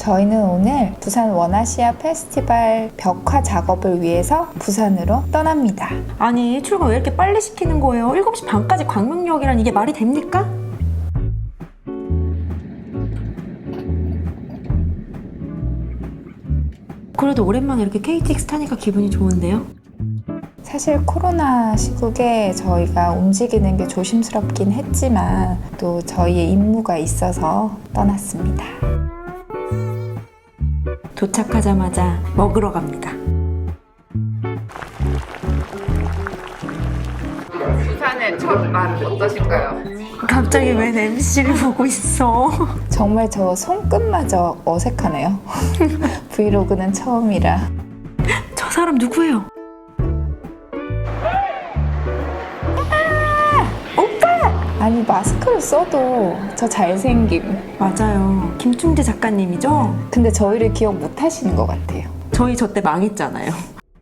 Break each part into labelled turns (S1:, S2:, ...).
S1: 저희는 오늘 부산 원아시아 페스티벌 벽화 작업을 위해서 부산으로 떠납니다.
S2: 아니 출근 왜 이렇게 빨리 시키는 거예요? 7시 반까지 광명역이란 이게 말이 됩니까? 그래도 오랜만에 이렇게 KTX 타니까 기분이 좋은데요?
S1: 사실 코로나 시국에 저희가 움직이는 게 조심스럽긴 했지만 또 저희의 임무가 있어서 떠났습니다.
S2: 도착하자마자 먹으러 갑니다.
S3: 부산의 첫 맛 어떠신가요?
S2: 갑자기 웬 MC를 보고 있어?
S1: 정말 저 손끝마저 어색하네요. 브이로그는 처음이라.
S2: 저 사람 누구예요?
S1: 아니 마스크를 써도 저 잘생김.
S2: 맞아요. 김충재 작가님이죠?
S1: 근데 저희를 기억 못 하시는 것 같아요.
S2: 저희 저 때 망했잖아요.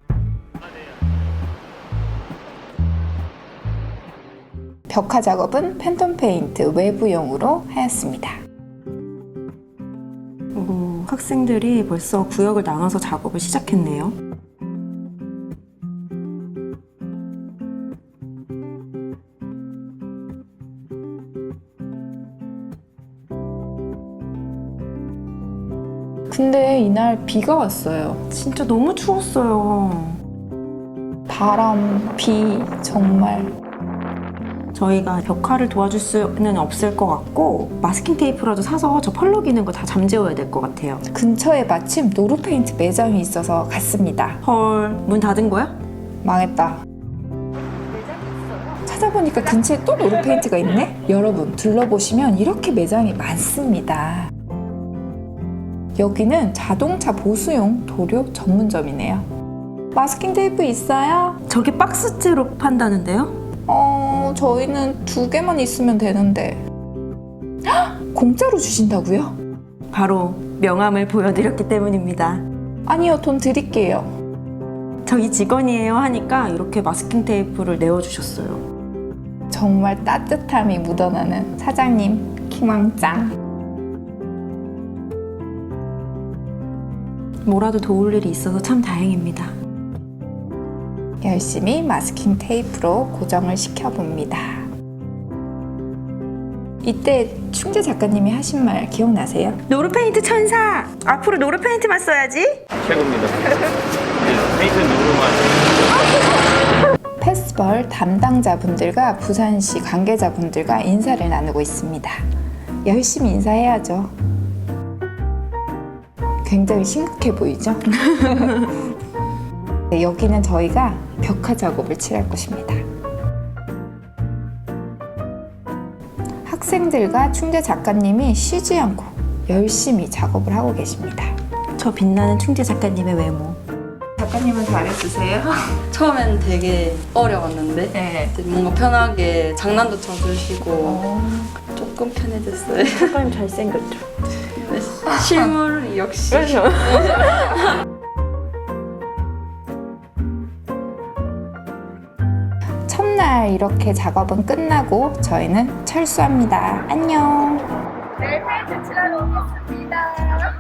S1: 벽화 작업은 팬텀 페인트 외부용으로 하였습니다.
S2: 오, 학생들이 벌써 구역을 나눠서 작업을 시작했네요.
S1: 근데 이날 비가 왔어요.
S2: 진짜 너무 추웠어요.
S1: 바람, 비, 정말.
S2: 저희가 벽화를 도와줄 수는 없을 것 같고 마스킹 테이프라도 사서 저 펄럭이는 거 다 잠재워야 될 것 같아요.
S1: 근처에 마침 노루페인트 매장이 있어서 갔습니다.
S2: 헐, 문 닫은 거야?
S1: 망했다. 찾아보니까 근처에 또 노루페인트가 있네? 여러분 둘러보시면 이렇게 매장이 많습니다. 여기는 자동차 보수용 도료 전문점이네요. 마스킹 테이프 있어요?
S2: 저게 박스째로 판다는데요?
S1: 저희는 2개만 있으면 되는데. 헉! 공짜로 주신다고요?
S2: 바로 명함을 보여드렸기 때문입니다.
S1: 아니요, 돈 드릴게요.
S2: 저희 직원이에요 하니까 이렇게 마스킹 테이프를 내어주셨어요.
S1: 정말 따뜻함이 묻어나는 사장님 킹왕짱.
S2: 뭐라도 도울 일이 있어서 참 다행입니다.
S1: 열심히 마스킹 테이프로 고정을 시켜봅니다. 이때 충재 작가님이 하신 말 기억나세요?
S2: 노루페인트 천사! 앞으로 노루페인트만 써야지.
S4: 최고입니다. 페인트 누구만.
S1: 페스티벌 담당자분들과 부산시 관계자분들과 인사를 나누고 있습니다. 열심히 인사해야죠. 굉장히 심각해 보이죠? 네, 여기는 저희가 벽화 작업을 칠할 곳입니다. 학생들과 충재 작가님이 쉬지 않고 열심히 작업을 하고 계십니다.
S2: 저 빛나는 충재 작가님의 외모.
S1: 작가님은 잘해주세요?
S3: 처음엔 되게 어려웠는데
S1: 네.
S3: 뭔가 편하게 장난도 쳐주시고 조금 편해졌어요.
S2: 작가님 잘생겼죠?
S3: 실물 역시
S1: 첫날 이렇게 작업은 끝나고 저희는 철수합니다. 안녕.
S5: 내일 페인트 칠하러 오겠습니다.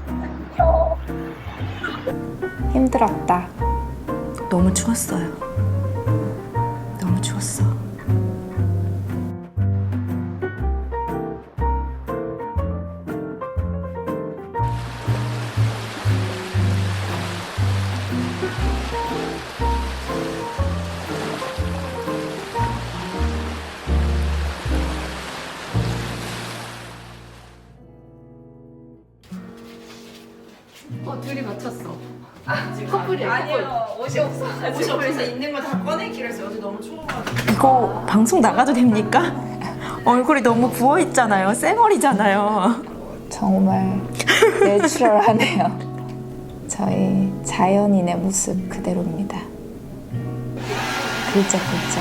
S1: 힘들었다.
S2: 너무 추웠어요. 너무 추웠어.
S3: 둘이 맞췄어.
S5: 커플이 아니에요.
S3: 옷이 없어가지고. 옷이 없어서 있는 거 다 꺼내기로 했어요. 어제 너무 추워가지고.
S2: 이거 방송 나가도 됩니까? 얼굴이 너무 부어있잖아요. 쌩얼이잖아요.
S1: 정말 내추럴하네요. 저희 자연인의 모습 그대로입니다. 글쩍글쩍.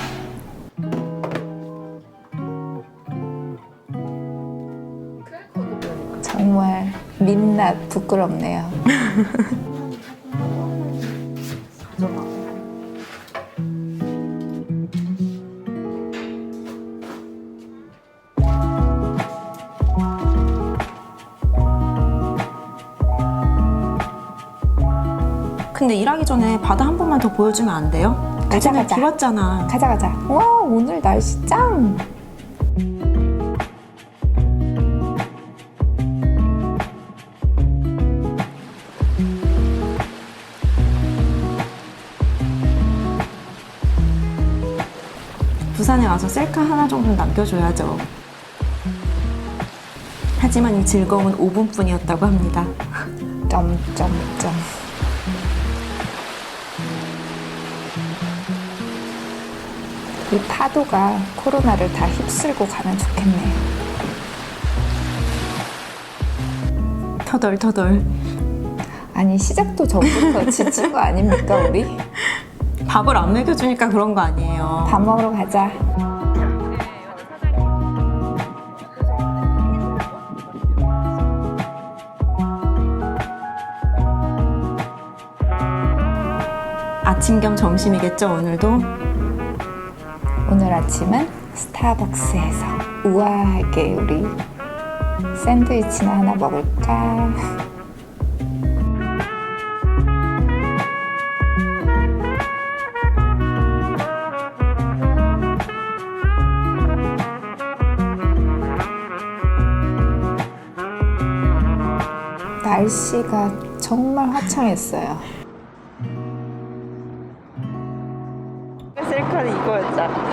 S1: 정말 민낯 부끄럽네요.
S2: 근데 일하기 전에 바다 한 번만 더 보여주면 안 돼요?
S1: 가자,
S2: 그전에
S1: 가자.
S2: 비 왔잖아.
S1: 가자 가자. 와 오늘 날씨 짱.
S2: 부산에 와서 셀카 하나 정도는 남겨줘야죠. 하지만 이 즐거움은 5분뿐이었다고 합니다.
S1: 점점점. 이 파도가 코로나를 다 휩쓸고 가면 좋겠네요.
S2: 터덜터덜.
S1: 아니 시작도 전부터 지친 거 아닙니까 우리?
S2: 밥을 안 먹여주니까 그런 거 아니에요.
S1: 밥 먹으러 가자.
S2: 아침 겸 점심이겠죠, 오늘도?
S1: 오늘 아침은 스타벅스에서 우아하게 우리 샌드위치나 하나 먹을까? 날씨가 정말 화창했어요.
S3: 셀카는 이거였잖아.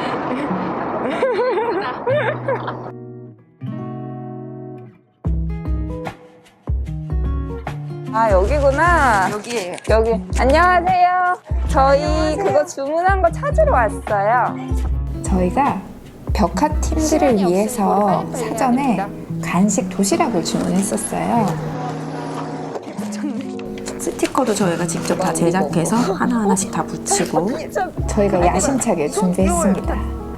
S5: 아 여기구나.
S3: 여기에요.
S5: 여기. 안녕하세요. 저희 그거 주문한 거 찾으러 왔어요.
S1: 저희가 벽화 팀들을 위해서 사전에 간식 도시락을 주문했었어요.
S2: 스티커도 저희가 직접 다 제작해서 하나하나씩 다 붙이고
S1: 저희가 야심차게 준비했습니다.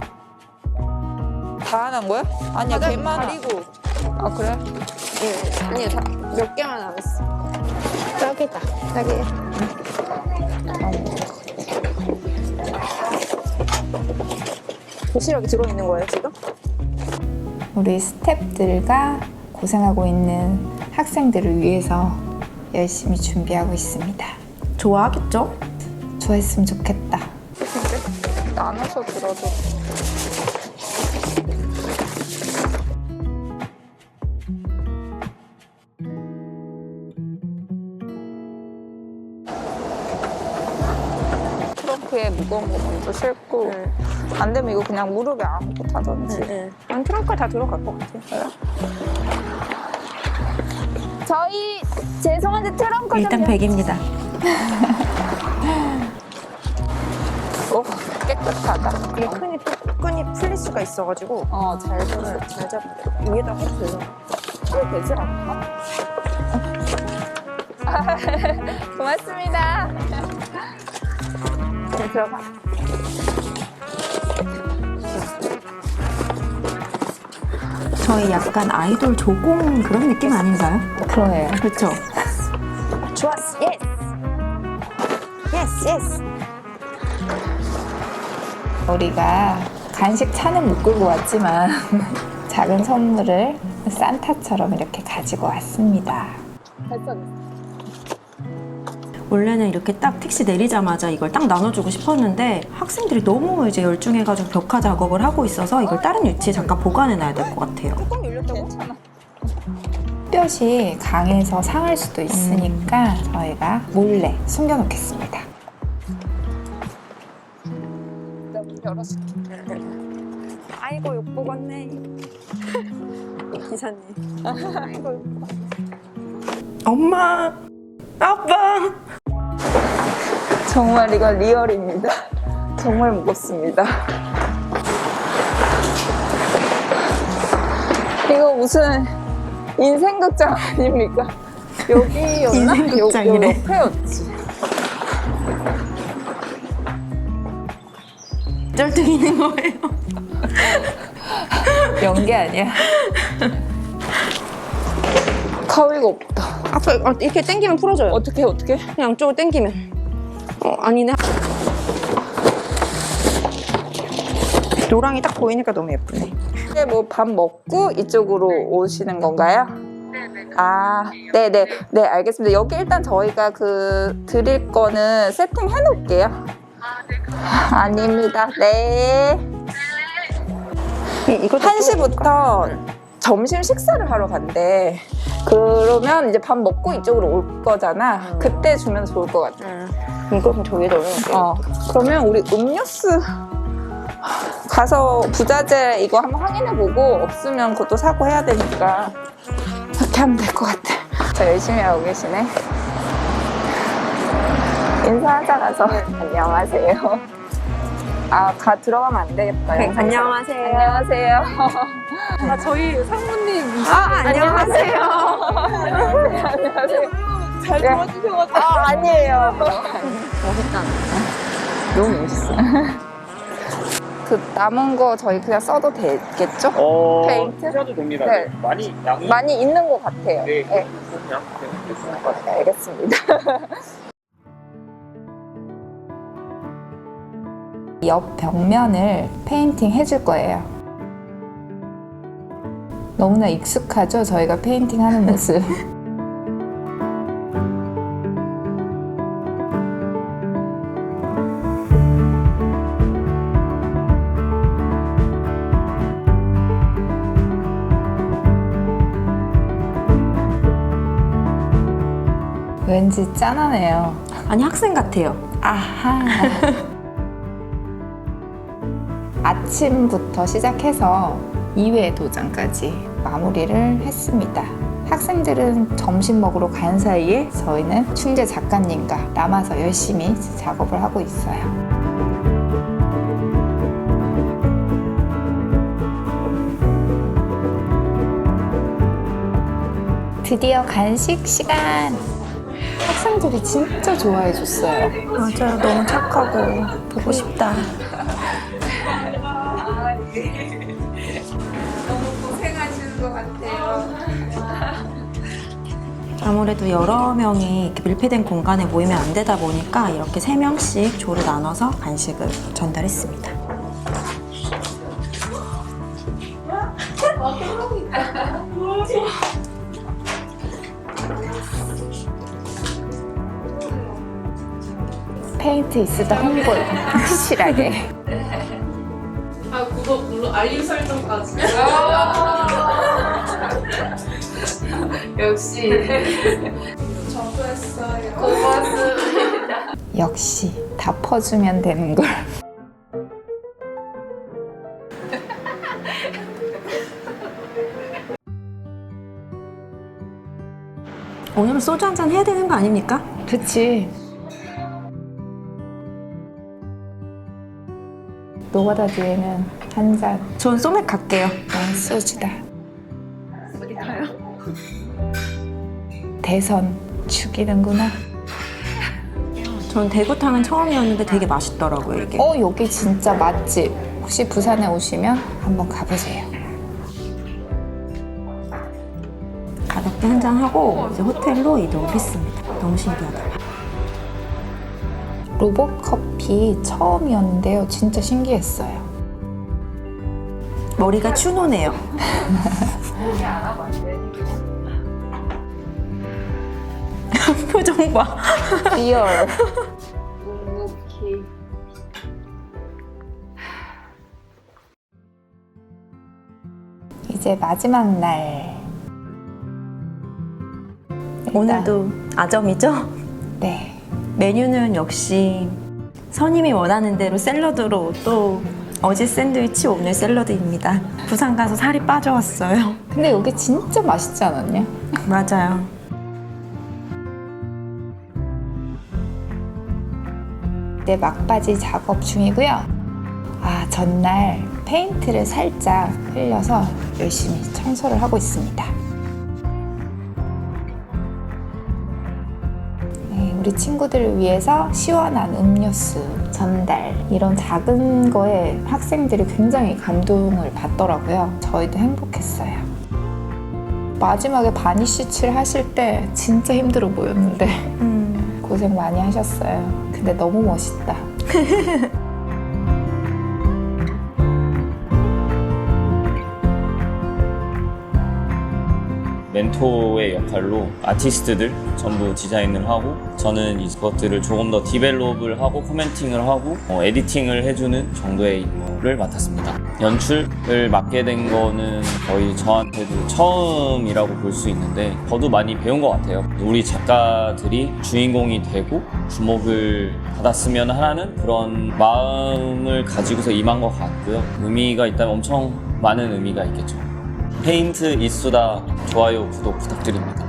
S5: 다 하는 거야? 아니야 걔만 가리고. 아 그래?
S3: 예. 아니요, 몇 개만 남았어.
S5: 딱이다. 딱이에요.
S3: 도시락이 들어있는 거예요, 지금?
S1: 우리 스태프들과 고생하고 있는 학생들을 위해서 열심히 준비하고 있습니다.
S2: 좋아하겠죠?
S1: 좋아했으면 좋겠다.
S5: 나눠서 들어도. 트렁크에 무거운 거 먼저 싣고 안 되면 이거 그냥 무릎에 안고 타던지.
S3: 난 트렁크에 다 들어갈 것 같아요.
S5: 저희 죄송한데 트렁크
S2: 일단 100입니다.
S5: 깨끗하다.
S3: 이게 끈이 풀릴 수가 있어가지고
S5: 잘 들어.
S3: 잘 잡고 위에다 해도 돼요.
S5: 되지 않나? 고맙습니다. 네, 들어가.
S2: 저희 약간 아이돌 조공 그런 느낌 아닌가요?
S1: 그러네요.
S2: 그렇죠?
S3: 좋았어. 예스. 예스, 예스.
S1: 우리가 간식 차는 못 끌고 왔지만 작은 선물을 산타처럼 이렇게 가지고 왔습니다.
S5: 됐어.
S2: 원래는 이렇게 딱 택시 내리자마자 이걸 딱 나눠주고 싶었는데 학생들이 너무 이제 열중해가지고 벽화 작업을 하고 있어서 이걸 다른 위치에 잠깐 보관해놔야 될 것 같아요.
S3: 뚜껑 열렸다고?
S5: 괜찮아.
S1: 햇볕이 강해서 상할 수도 있으니까 저희가 몰래 숨겨놓겠습니다.
S5: 내가 문 열어줄게.
S3: 아이고, 욕 먹었네. 기사님. 아이고, 욕
S2: 엄마! 아빠!
S5: 정말 이건 리얼입니다. 정말 무겁습니다. 이거 무슨 인생극장 아닙니까? 여기였나?
S2: 인생극장이래.
S5: 요 옆에였지.
S2: 쩔뚝이는 거예요.
S1: 연기 아니야?
S5: 가위가 없다.
S3: 아까 이렇게 당기면 풀어져요.
S5: 어떻게?
S3: 그냥 양쪽으로 당기면. 아니네. 노랑이 딱 보이니까 너무 예쁘네.
S5: 이제 뭐 밥 먹고 이쪽으로 오시는 건가요? 네네. 네, 알겠습니다. 여기 일단 저희가 드릴 거는 세팅 해놓을게요. 아닙니다. 네.
S2: 이거
S5: 1시부터 점심 식사를 하러 간대. 그러면 이제 밥 먹고 이쪽으로 올 거잖아. 그때 주면 좋을 것 같아.
S2: 이거 좀 저기 넣어요.
S5: 그러면 우리 음료수 가서 부자재 이거 한번 확인해보고 없으면 그것도 사고 해야 되니까 그렇게 하면 될 것 같아. 저 열심히 하고 계시네. 인사하자 가서. 안녕하세요. 들어가면 안 되겠다.
S2: 네, 안녕하세요.
S5: 안녕하세요.
S3: 저희 상무님
S5: 안녕하세요. 안녕하세요.
S3: 잘 도와주셔가지고
S5: 아니에요.
S2: 멋있잖아.
S5: 너무 멋있어. 그 남은 거 저희 그냥 써도 되겠죠? 페인트?
S4: 쓰셔도 됩니다.
S5: 네.
S4: 많이 양이
S5: 많이 있는 것 같아요.
S4: 네,
S5: 네.
S4: 그냥 쓰는 것 같아요.
S5: 알겠습니다.
S1: 옆 벽면을 페인팅 해줄 거예요. 너무나 익숙하죠? 저희가 페인팅 하는 모습. 왠지 짠하네요.
S2: 아니 학생 같아요.
S1: 아하. 아침부터 시작해서 2회 도장까지 마무리를 했습니다. 학생들은 점심 먹으러 간 사이에 저희는 충재 작가님과 남아서 열심히 작업을 하고 있어요. 드디어 간식 시간! 학생들이 진짜 좋아해 줬어요.
S2: 맞아요. 너무 착하고 보고 싶다.
S5: 고생하시는 것 같아요.
S2: 아무래도 여러 명이 이렇게 밀폐된 공간에 모이면 안 되다 보니까 이렇게 3명씩 조를 나눠서 간식을 전달했습니다.
S1: 페인트 있으다 홍보 확실하게.
S3: 구독 눌러 알림 설정까지. 역시 저도했어요. 고맙습니다.
S1: 역시 다 퍼주면 되는 걸.
S2: 오늘은 소주 한잔 해야 되는 거 아닙니까?
S1: 그치. 노가다 뒤에는 한 잔.
S2: 전 소맥 갈게요.
S1: 소주다. 어디 가요? 대선 죽이는구나.
S2: 전 대구탕은 처음이었는데 되게 맛있더라고요, 이게.
S1: 여기 진짜 맛집. 혹시 부산에 오시면 한번 가보세요.
S2: 가볍게 한잔하고 이제 호텔로 이동을 했습니다. 너무 신기하다.
S1: 로봇 커피 처음이었는데요. 진짜 신기했어요.
S2: 머리가 추노네요. 표정 봐.
S1: 리얼. 이제 마지막 날. 일단,
S2: 오늘도 아점이죠?
S1: 네.
S2: 메뉴는 역시 선임이 원하는 대로 샐러드로 또 어제 샌드위치 오늘 샐러드입니다. 부산 가서 살이 빠져왔어요.
S1: 근데 여기 진짜 맛있지 않았냐?
S2: 맞아요.
S1: 네, 막바지 작업 중이고요. 전날 페인트를 살짝 흘려서 열심히 청소를 하고 있습니다. 네, 우리 친구들을 위해서 시원한 음료수 전달, 이런 작은 거에 학생들이 굉장히 감동을 받더라고요. 저희도 행복했어요. 마지막에 바니쉬 칠 하실 때 진짜 힘들어 보였는데 고생 많이 하셨어요. 근데 너무 멋있다.
S6: 멘토의 역할로 아티스트들 전부 디자인을 하고 저는 이것들을 조금 더 디벨롭을 하고 코멘팅을 하고 에디팅을 해주는 정도의 임무를 맡았습니다. 연출을 맡게 된 거는 거의 저한테도 처음이라고 볼 수 있는데 저도 많이 배운 것 같아요. 우리 작가들이 주인공이 되고 주목을 받았으면 하는 그런 마음을 가지고서 임한 것 같고요. 의미가 있다면 엄청 많은 의미가 있겠죠. 페인트 이수다 좋아요, 구독 부탁드립니다.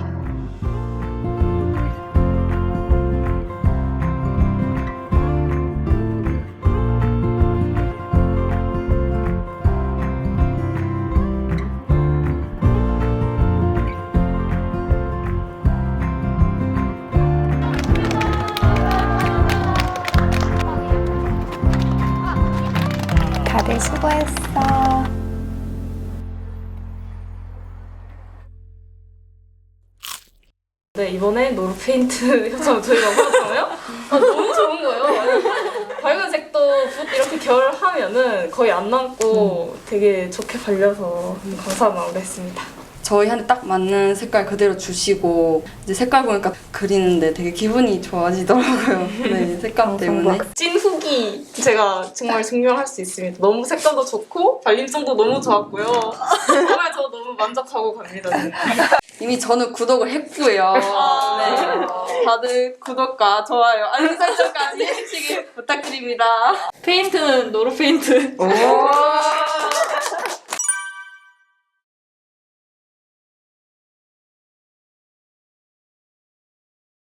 S1: 다들 수고했어.
S3: 네, 이번에 노르페인트 협찬을 저희가 받았잖아요. 너무 좋은 거예요. 아니, 밝은 색도 붓 이렇게 결하면은 거의 안 남고 되게 좋게 발려서 감사한 마음으로 했습니다.
S7: 저희한테 딱 맞는 색깔 그대로 주시고 이제 색깔 보니까 그리는데 되게 기분이 좋아지더라고요. 네, 색감 때문에.
S3: 찐 후기 제가 정말 증명할 수 있습니다. 너무 색감도 좋고 발림성도 너무 좋았고요. 정말 저 너무 만족하고 갑니다.
S7: 이미 저는 구독을 했고요. 네, 다들 구독과 좋아요, 알림 설정까지 해주시길 부탁드립니다.
S3: 페인트는 노르페인트.
S7: 오.